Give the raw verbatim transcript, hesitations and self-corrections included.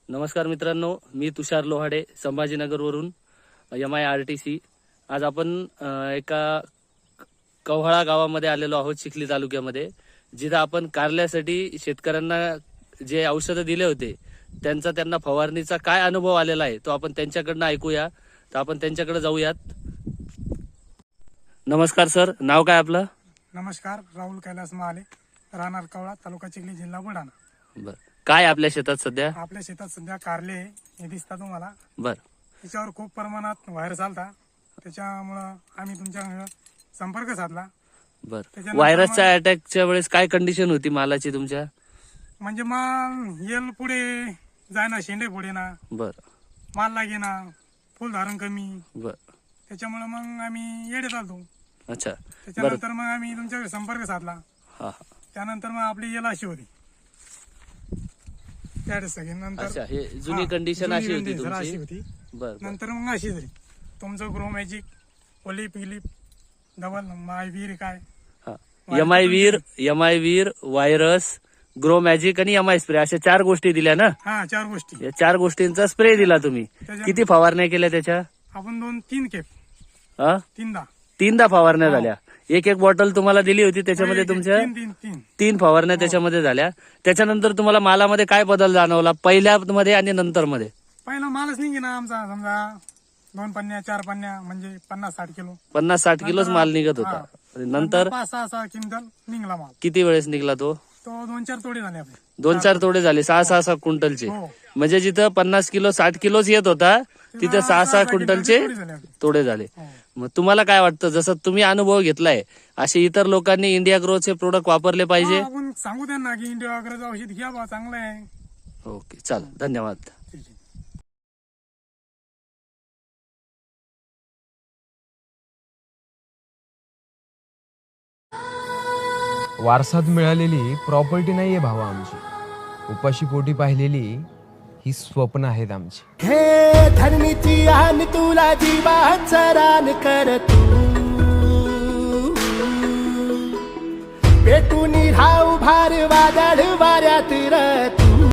नमस्कार मित्रांनो, मी तुषार लोहाडे संभाजीनगरवरून M I R T C. आज आपण अ, एका कव्हाळा गावामध्ये आलेलो आहोत, चिखली तालुक्यामध्ये, जिथं आपण कारल्यासाठी शेतकऱ्यांना जे औषधं दिले होते त्यांचा त्यांना फवारणीचा काय अनुभव आलेला आहे तो आपण त्यांच्याकडनं ऐकूया. तर आपण त्यांच्याकडे जाऊयात. नमस्कार सर, नाव काय आपलं? नमस्कार, राहुल कैलास महाले, राहणार कवळा, तालुका चिखली, जिल्हा बुलढाणा. बर, काय आपल्या शेतात सध्या? आपल्या शेतात सध्या कारले हे दिसतात तुम्हाला. बर, त्याच्यावर खूप प्रमाणात व्हायरस आलता, त्याच्यामुळं आम्ही तुमच्या संपर्क साधला. बर. त्याच्यानंतर व्हायरसच्या अटॅकच्या वेळेस काय कंडिशन होती मालाची तुमच्या? म्हणजे माल येल पुढे जायना, शेंडे पुढे ना, बर माल लागे ना, फुल धारण कमी, बर त्याच्यामुळे मग आम्ही येडे चालतो. अच्छा. त्याच्यानंतर मग आम्ही तुमच्याकडे संपर्क साधला. हा हा त्यानंतर मग आपली येल अशी होती त्यावेळेस सगळी. नंतर अच्छा, हे जुनी हा, कंडिशन जुनी अशी होती condition तुमची. अशी होती. बर बर. नंतर मग अशी झाली तुमचं ग्रो मॅजिक, ओलिप इलिप, डबल माय वीर काय हा, एम आय वीर, एम आय वीर, व्हायरस, ग्रो मॅजिक आणि एम आय स्प्रे अशा चार गोष्टी दिल्या ना. हा, चार गोष्टी. या चार गोष्टींचा स्प्रे दिला तुम्ही. त्याच्या- किती फवारण्या केल्या त्याच्या? आपण दोन तीन केप हा, तीनदा तीनदा फवारण्या झाल्या. एक एक बॉटल तुम्हाला दिली होती, त्याच्यामध्ये एक- एक- तुमच्या तीन तीन तीन तीन फवारण्या त्याच्यामध्ये झाल्या. त्याच्यानंतर तुम्हाला मालामध्ये काय बदल जाणवला पहिल्या मध्ये आणि नंतर मध्ये? पहिला मालच निघे ना आमचा, समजा दोन पन्न्या चार पन्न्या म्हणजे पन्नास साठ किलो पन्नास साठ किलोच माल निघत होता. आणि नंतर पाच सहा सहा क्विंटल निघला माल. किती वेळेस निघला तो? तो दोन चार तोडे झाले आपले. दोन चार तोडे झाले, सहा सहा सहा क्विंटलचे. हो. म्हणजे जिथं पन्नास किलो साठ किलोच येत होता तिथे सहा सहा क्विंटलचे तोडे झाले आपले. तोडे झाले. हो. मग तुम्हाला काय वाटतं, जसं तुम्ही अनुभव घेतलाय असे इतर लोकांनी इंडिया ग्रोचे प्रोडक्ट वापरले पाहिजे? हा, आपण सांगू त्यांना की इंडिया वगैरे औषध घ्या बा, चांगलं आहे. ओके, चल, धन्यवाद. ठीक आहे. वारसात मिळालेली प्रॉपर्टी नाहीये भावा आमची, उपाशी पोटी पाहिलेली ही स्वप्न आहेत आमची. हे धरणीची आन तुला जीवाचं रान कर तू, पेटून राहू भार वादळ वाऱ्यात रत